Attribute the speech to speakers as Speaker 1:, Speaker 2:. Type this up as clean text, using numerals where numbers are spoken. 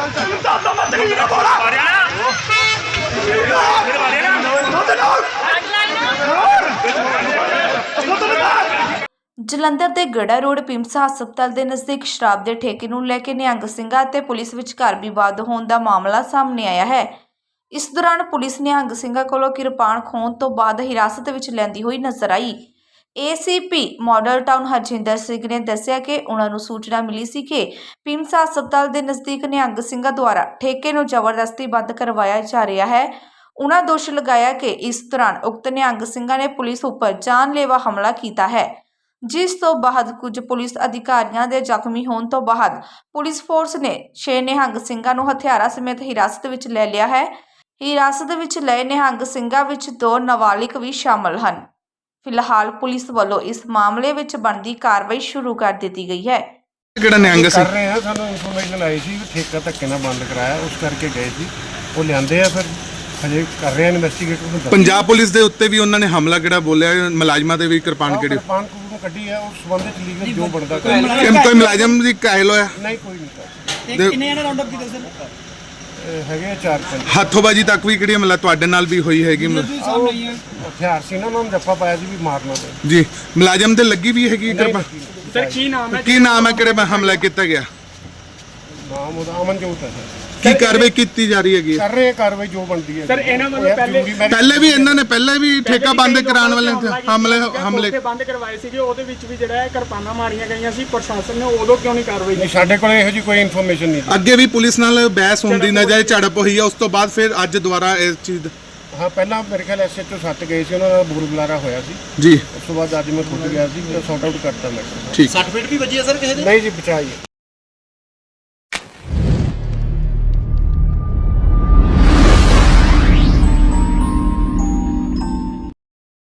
Speaker 1: ਜਲੰਧਰ ਦੇ ਗੜਾ ਰੋਡ ਪਿੰਮਸਾ ਹਸਪਤਾਲ ਦੇ ਨਜ਼ਦੀਕ ਸ਼ਰਾਬ ਦੇ ਠੇਕੇ ਨੂੰ ਲੈ ਕੇ ਨਿਹੰਗ ਸਿੰਘਾਂ ਅਤੇ ਪੁਲਿਸ ਵਿਚਕਾਰ ਵਿਵਾਦ ਹੋਣ ਦਾ ਮਾਮਲਾ ਸਾਹਮਣੇ ਆਇਆ ਹੈ। ਇਸ ਦੌਰਾਨ ਪੁਲਿਸ ਨਿਹੰਗ ਸਿੰਘਾਂ ਕੋਲੋਂ ਕਿਰਪਾਨ ਖੋਹਣ ਤੋਂ ਬਾਅਦ ਹਿਰਾਸਤ ਵਿੱਚ ਲੈਂਦੀ ਹੋਈ ਨਜ਼ਰ ਆਈ। ACP model town Harjinder Singh ਨੇ ਦੱਸਿਆ ਕਿ ਉਹਨਾਂ ਨੂੰ ਸੂਚਨਾ ਮਿਲੀ ਸੀ ਕਿ ਪਿੰਮਸਾ ਹਸਪਤਾਲ ਦੇ ਨਜ਼ਦੀਕ ਨਿਹੰਗ ਸਿੰਘਾਂ ਦੁਆਰਾ ਠੇਕੇ ਨੂੰ ਜ਼ਬਰਦਸਤੀ ਬੰਦ ਕਰਵਾਇਆ ਜਾ ਰਿਹਾ ਹੈ। ਉਹਨਾਂ ਦੋਸ਼ ਲਗਾਇਆ ਕਿ ਇਸ ਦੌਰਾਨ ਉਕਤ ਨਿਹੰਗ ਸਿੰਘਾਂ ਨੇ ਪੁਲਿਸ ਉੱਪਰ ਜਾਨਲੇਵਾ ਹਮਲਾ ਕੀਤਾ ਹੈ, ਜਿਸ ਤੋਂ ਬਾਅਦ ਕੁਝ ਪੁਲਿਸ ਅਧਿਕਾਰੀਆਂ ਦੇ ਜ਼ਖਮੀ ਹੋਣ ਤੋਂ ਬਾਅਦ ਪੁਲਿਸ ਫੋਰਸ ਨੇ 6 ਨਿਹੰਗ ਸਿੰਘਾਂ ਨੂੰ ਹਥਿਆਰਾਂ ਸਮੇਤ ਹਿਰਾਸਤ ਵਿੱਚ ਲੈ ਲਿਆ ਹੈ। ਹਿਰਾਸਤ ਵਿੱਚ ਲਏ ਨਿਹੰਗ ਸਿੰਘਾਂ ਵਿੱਚ 2 ਨਾਬਾਲਿਗ ਵੀ ਸ਼ਾਮਲ ਹਨ। ਫਿਲਹਾਲ ਪੁਲਿਸ ਵੱਲੋਂ ਇਸ ਮਾਮਲੇ ਵਿੱਚ ਬਣਦੀ ਕਾਰਵਾਈ ਸ਼ੁਰੂ ਕਰ ਦਿੱਤੀ ਗਈ ਹੈ।
Speaker 2: ਕਿਹੜਾ ਨਿਹੰਗ ਸਿੰਘ
Speaker 3: ਕਰ ਰਹੇ ਆ, ਸਾਨੂੰ ਇਨਫੋਰਮੇਸ਼ਨ ਆਈ ਸੀ ਠੇਕਾ ਧੱਕੇ ਨਾਲ ਬੰਦ ਕਰਾਇਆ, ਉਸ ਕਰਕੇ ਗਏ ਸੀ, ਉਹ ਲਿਆਂਦੇ ਆ, ਫਿਰ ਹਜੇ ਕਰ ਰਹੇ ਆ ਇਨਵੈਸਟੀਗੇਟ।
Speaker 2: ਪੰਜਾਬ ਪੁਲਿਸ ਦੇ ਉੱਤੇ ਵੀ ਉਹਨਾਂ ਨੇ ਹਮਲਾ ਕਿਹੜਾ ਬੋਲਿਆ, ਮੁਲਾਜ਼ਮਾਂ ਦੇ ਵੀ ਕਿਰਪਾਨ ਕਿਹੜੀ
Speaker 3: ਕੱਢੀ ਆ, ਉਸ ਸੰਬੰਧ ਵਿੱਚ ਲੀਗਲ ਜੋ ਬਣਦਾ
Speaker 2: ਕੋਈ ਮੁਲਾਜ਼ਮ ਦੀ ਕਾਇਲ ਹੋਇਆ?
Speaker 3: ਨਹੀਂ, ਕੋਈ ਨਹੀਂ।
Speaker 4: ਕਿੰਨੇ ਜਣੇ ਰਾਉਂਡ ਅਪ ਕੀਤੇ ਸਰ?
Speaker 3: ਹੈਗੇ 4-5
Speaker 2: ਹੱਥੋਂਬਾਜੀ ਤੱਕ ਵੀ ਕਿਹੜੀ ਮਤਲਬ ਤੁਹਾਡੇ ਨਾਲ ਵੀ ਹੋਈ ਹੈਗੀ?
Speaker 3: ਹਥਿਆਰ ਸੀ ਨਾ, ਉਹਨਾਂ ਨੂੰ ਜੱਫਾ ਪਾਇਆ ਸੀ ਵੀ ਮਾਰਨਾ ਤੇ
Speaker 2: ਜੀ ਮੁਲਾਜ਼ਮ ਤੇ ਲੱਗੀ ਵੀ ਹੈਗੀ ਕਿਰਪਾਨ?
Speaker 4: ਸਰ ਕੀ ਨਾਮ ਹੈ?
Speaker 2: ਕੀ ਨਾਮ ਹੈ, ਕਿਹੜੇ ਹਮਲਾ ਕੀਤਾ ਗਿਆ?
Speaker 3: ਨਾਮ ਉਹਦਾ ਅਮਨਜੋਤ ਹੈ ਸਰ।
Speaker 2: ਕੀ ਕਾਰਵਾਈ ਕੀਤੀ ਜਾ ਰਹੀ ਹੈਗੀ?
Speaker 3: ਕਰ ਰਹੇ ਆ ਕਾਰਵਾਈ ਜੋ ਬਣਦੀ ਹੈ
Speaker 4: ਸਰ। ਇਹਨਾਂ ਵੱਲੋਂ
Speaker 2: ਪਹਿਲੇ ਵੀ ਇਹਨਾਂ ਨੇ ਪਹਿਲੇ ਵੀ ਠੇਕਾ ਬੰਦ ਕਰਾਉਣ ਵਾਲੇ ਹਮਲੇ
Speaker 4: ਬੰਦ ਕਰਵਾਏ ਸੀਗੇ, ਉਹਦੇ ਵਿੱਚ ਵੀ ਜਿਹੜਾ ਹੈ ਕਿਰਪਾਨਾਂ ਮਾਰੀਆਂ ਗਈਆਂ ਸੀ। ਪ੍ਰਸ਼ਾਸਨ ਨੇ ਉਦੋਂ ਕਿਉਂ ਨਹੀਂ ਕਾਰਵਾਈ ਕੀਤੀ?
Speaker 3: ਸਾਡੇ ਕੋਲ ਇਹੋ ਜਿਹੀ ਕੋਈ ਇਨਫੋਰਮੇਸ਼ਨ ਨਹੀਂ।
Speaker 2: ਅੱਗੇ ਵੀ ਪੁਲਿਸ ਨਾਲ ਬਹਿਸ ਹੁੰਦੀ ਨਜ਼ਰ ਝੜਪ ਹੋਈ ਹੈ, ਉਸ ਤੋਂ ਬਾਅਦ ਫਿਰ ਅੱਜ ਦੁਬਾਰਾ ਇਸ ਚੀਜ਼
Speaker 3: ਹਾਂ, ਪਹਿਲਾਂ ਮੇਰੇ ਖਿਆਲ SHO 7 ਗਏ ਸੀ, ਉਹਨਾਂ ਦਾ ਬੁਰ ਬੁਲਾਰਾ ਹੋਇਆ ਸੀ
Speaker 2: ਜੀ।
Speaker 3: ਉਸ ਤੋਂ ਬਾਅਦ ਅੱਜ ਮੈਂ ਖੁਦ ਗਿਆ ਸੀ, ਸੌਟ ਆਊਟ ਕਰਤਾ ਮੈਂ।
Speaker 2: ਠੀਕ।
Speaker 4: 60 ਫੀਟ ਵੀ ਵੱਜੀ ਹੈ ਸਰ ਕਿਸੇ ਦੇ?
Speaker 3: ਨਹੀਂ ਜੀ, ਬਚਾਈ